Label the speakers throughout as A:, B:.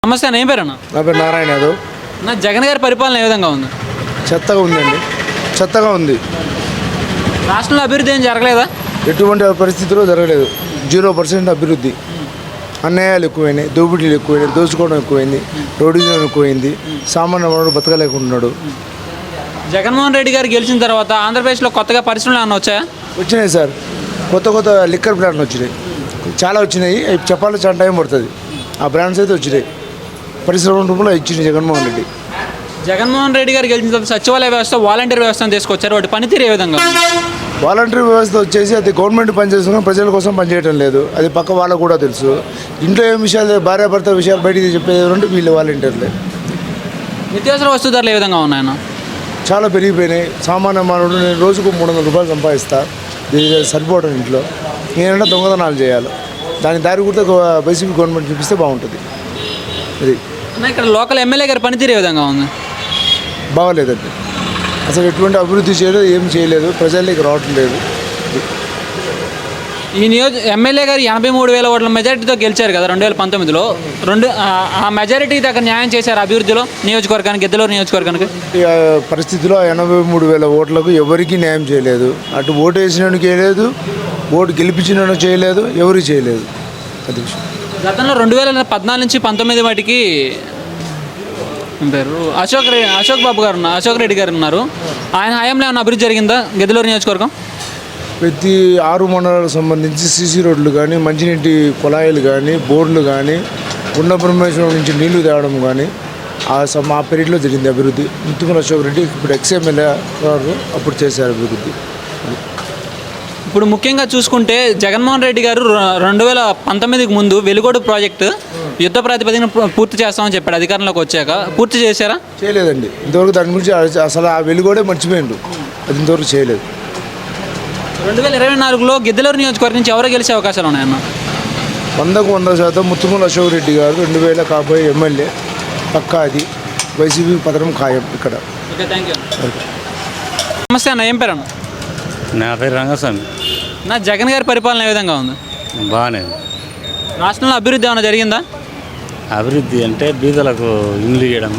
A: నమస్తే అన్న, ఏం పేరు అన్న?
B: నా పేరు నారాయణ యాదవ్.
A: నా జగన్ గారి పరిపాలన ఏ విధంగా ఉంది?
B: చెత్తగా ఉందండి, చెత్తగా ఉంది.
A: రాష్ట్రంలో అభివృద్ధి ఏం జరగలేదా?
B: ఎటువంటి పరిస్థితిలో జరగలేదు. 0% అభివృద్ధి. అన్యాయాలు ఎక్కువైనాయి, దోపిడీలు ఎక్కువైనాయి, దోచుకోవడం ఎక్కువైంది, రౌడీజం ఎక్కువైంది, సామాన్య మానవుడు బతకలేకుంటున్నాడు.
A: జగన్మోహన్ రెడ్డి గారు గెలిచిన తర్వాత ఆంధ్రప్రదేశ్లో కొత్తగా పరిశ్రమలు ఏమన్నా వచ్చాయా?
B: వచ్చినాయి సార్, కొత్త కొత్త లిక్కర్ బ్రాండ్లు వచ్చినాయి, చాలా వచ్చినాయి. అవి చెప్పాలంటే చాలా టైం పడుతుంది. ఆ బ్రాండ్స్ అయితే వచ్చినాయి, పరిశ్రమ రూపంలో ఇచ్చింది జగన్మోహన్ రెడ్డి.
A: జగన్మోహన్ రెడ్డి గారు గెలిచిన తర్వాత సచివాలయ వ్యవస్థ, వాలంటీర్ వ్యవస్థను తీసుకొచ్చారు. వాటి పనితీరు ఏ విధంగా ఉంది?
B: వాలంటీర్ వ్యవస్థ వచ్చేసి అది గవర్నమెంట్ పనిచేస్తున్నా ప్రజల కోసం పనిచేయడం లేదు. అది పక్క వాళ్ళకు కూడా తెలుసు. ఇంట్లో ఏం విషయాలు, భార్యాభర్త విషయాలు బయటికి చెప్పేది అంటే వీళ్ళు వాలంటీర్లే.
A: నిత్యావసర వస్తు ధరలు ఏ విధంగా ఉన్నాయన్న?
B: చాలా పెరిగిపోయినాయి. సామాన్య మానవుడు నేను రోజుకు 300 రూపాయలు సంపాదిస్తా, దీనికి సరిపోవడం. ఇంట్లో నేనంటే దొంగతనాలు చేయాలి. దాని దారి కూడా వైసీపీ గవర్నమెంట్ చూపిస్తే బాగుంటుంది. ఇది
A: ఇక్కడ లోకల్ ఎమ్మెల్యే గారి పనితీరు ఏ విధంగా ఉంది?
B: బాగోలేదండి. అసలు ఎటువంటి అభివృద్ధి చేయలేదు, ఏం చేయలేదు, ప్రజల్లోకి రావటం లేదు.
A: ఈ ఎమ్మెల్యే గారు 83,000 ఓట్ల మెజారిటీతో గెలిచారు కదా 2019లో. ఆ మెజారిటీకి దగ్గర న్యాయం చేశారు అభివృద్ధిలో నియోజకవర్గానికి, గిద్దలూరు నియోజకవర్గానికి.
B: ఈ పరిస్థితిలో 83,000 ఓట్లకు ఎవరికి న్యాయం చేయలేదు. అటు ఓటు వేసినోడికి చేయలేదు, ఓటు గెలిపించిన చేయలేదు, ఎవరు చేయలేదు. అది విషయం.
A: గతంలో 2014 నుంచి 19 వాటికి పేరు అశోక్ రెడ్డి గారు ఉన్నారు. ఆయన హయాంలో ఏమైనా అభివృద్ధి జరిగిందా గిద్దలూరు నియోజకవర్గం?
B: ప్రతి 6 మండలాలకు సంబంధించి సీసీ రోడ్లు కానీ, మంచినీటి కుళాయిలు కానీ, బోర్లు కానీ, గుండ బ్రహ్మేశ్వరం నుంచి నీళ్లు తేవడం కానీ మా పీరియడ్లో జరిగింది అభివృద్ధి. ముత్తుమల అశోక్ రెడ్డి ఇప్పుడు ఎక్స్ఎమ్మెల్యే గారు అప్పుడు చేశారు అభివృద్ధి.
A: ఇప్పుడు ముఖ్యంగా చూసుకుంటే జగన్మోహన్ రెడ్డి గారు 2019కి ముందు వెలుగోడు ప్రాజెక్టు యుద్ధ ప్రాతిపదికన పూర్తి చేస్తామని చెప్పాడు. అధికారంలోకి వచ్చాక పూర్తి చేశారా?
B: చేయలేదండి. ఇంతవరకు దాని గురించి అసలు ఆ వెలుగోడే మర్చిపోయిండు. అది ఇంతవరకు చేయలేదు.
A: 2024లో గిద్దలూరు నియోజకవర్గం నుంచి ఎవరు గెలిచే అవకాశాలు ఉన్నాయన్న?
B: 100కు 100% ముత్తుమల అశోక్ రెడ్డి గారు 2000 కాబోయే ఎమ్మెల్యే పక్కా. అది వైసీపీ పథకం ఖాయం ఇక్కడ.
A: Okay, thank you. నమస్తే అన్న, ఏం పేరు అన్న?
C: నా పేరు రంగస్వామి.
A: నా జగన్ గారి పరిపాలన ఏ విధంగా ఉంది?
C: బాగానే.
A: రాష్ట్రంలో అభివృద్ధి ఏమైనా జరిగిందా?
C: అభివృద్ధి అంటే బీదలకు ఇండ్లు ఇవ్వడం,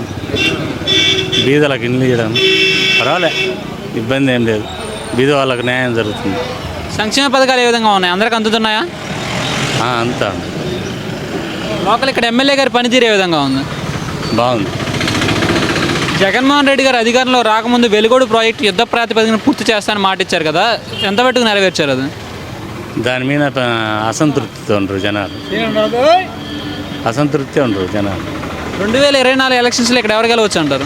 C: పర్వాలే, ఇబ్బంది ఏం లేదు. బీద వాళ్ళకు న్యాయం జరుగుతుంది.
A: సంక్షేమ పథకాలు ఏ విధంగా ఉన్నాయి? అందరికి అందుతున్నాయా?
C: అంతా
A: లోకల్ ఇక్కడ ఎమ్మెల్యే గారి పనితీరు ఏ విధంగా ఉంది?
C: బాగుంది.
A: జగన్మోహన్ రెడ్డి గారు అధికారంలో రాకముందు వెలుగోడు ప్రాజెక్టు యుద్ధ ప్రాతిపదికన పూర్తి చేస్తానని మాట ఇచ్చారు కదా, ఎంత మట్టుకు నెరవేర్చారు అది?
C: దాని మీద అసంతృప్తితో ఉండరు జనాలు.
A: 2024 ఎలక్షన్స్లో ఇక్కడ ఎవరు గెలవచ్చు అంటారు?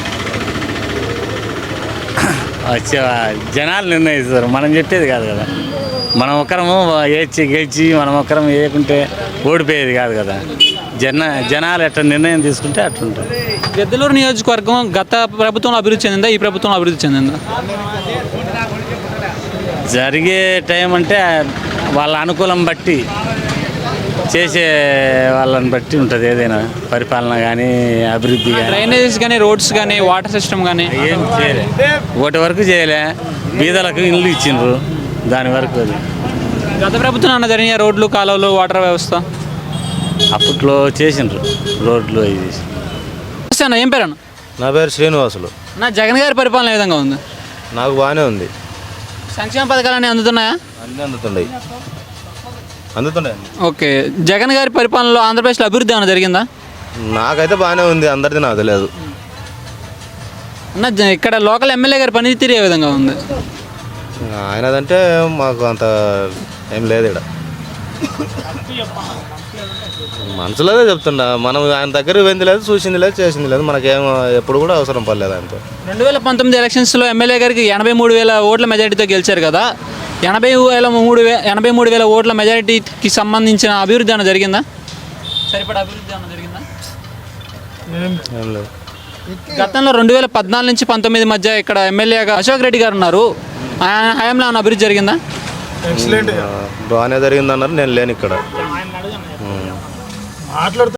C: జనాలు నిర్ణయిస్తారు, మనం చెప్పేది కాదు కదా. మనం ఒక్కరము గెలిచి మనం ఒక్కరం వేయకుంటే ఓడిపోయేది కాదు కదా. జనాలు ఎట్లా నిర్ణయం తీసుకుంటే అట్లుంటారు.
A: గిద్దలూరు నియోజకవర్గం గత ప్రభుత్వంలో అభివృద్ధి చెందిందా, ఈ ప్రభుత్వంలో అభివృద్ధి చెందిందా?
C: జరిగే టైం అంటే వాళ్ళ అనుకూలం బట్టి, చేసే వాళ్ళని బట్టి ఉంటుంది. ఏదైనా పరిపాలన కానీ, అభివృద్ధి కానీ,
A: డ్రైనేజెస్ కానీ, రోడ్స్ కానీ, వాటర్ సిస్టమ్ కానీ
C: ఏం చేయలే. ఒకటి వరకు చేయలే. బీదలకు ఇల్లు ఇచ్చిండ్రు, దాని వరకు. అది
A: గత ప్రభుత్వం అన్న జరిగిన రోడ్లు, కాలువలు, వాటర్ వ్యవస్థ
C: అప్పట్లో చేసిండ్రు రోడ్లు అవి చేసి.
A: అన్న, ఏం పేరు అన్న?
D: నా పేరు శ్రీనివాసులు.
A: నా జగన్ గారి పరిపాలన ఏ విధంగా ఉంది?
D: నాకు బాగానే ఉంది.
A: సంక్షేమ పథకాలన్నీ అందుతున్నాయా?
D: అన్నీ అందుతున్నాయి.
A: ఓకే, జగన్ గారి పరిపాలనలో ఆంధ్రప్రదేశ్లో అభివృద్ధి ఏమైనా జరిగిందా?
D: నాకైతే బాగానే ఉంది, అందరిది నాకు తెలియదు.
A: అన్న, ఇక్కడ లోకల్ ఎమ్మెల్యే గారి పనితీరు ఏ విధంగా ఉంది?
D: ఆయనదంటే మాకు అంత ఏం లేదు. ఇక్కడ మనసులోనే చెప్తుండ, మనం ఆయన దగ్గర వెంది లేదు, చూసింది లేదు, చేసింది లేదు. మనకేం ఎప్పుడు కూడా అవసరం పడలేదు ఆయనతో.
A: 2019 ఎలక్షన్స్లో ఎమ్మెల్యే గారికి 83,000 ఓట్ల మెజారిటీతో గెలిచారు కదా. 83,000 ఓట్ల మెజారిటీకి సంబంధించిన అభివృద్ధి ఏమైనా జరిగిందా? సరిపడా అభివృద్ధి ఏమైనా జరిగిందా?
D: ఏం లేదు.
A: గతంలో 2014 నుంచి 19 మధ్య ఇక్కడ ఎమ్మెల్యేగా అశోక్ రెడ్డి గారు ఉన్నారు. ఆయన హయాంలో ఏమైనా అభివృద్ధి జరిగిందా?
D: బాగానే జరిగిందన్నారు. నేను లేను ఇక్కడ.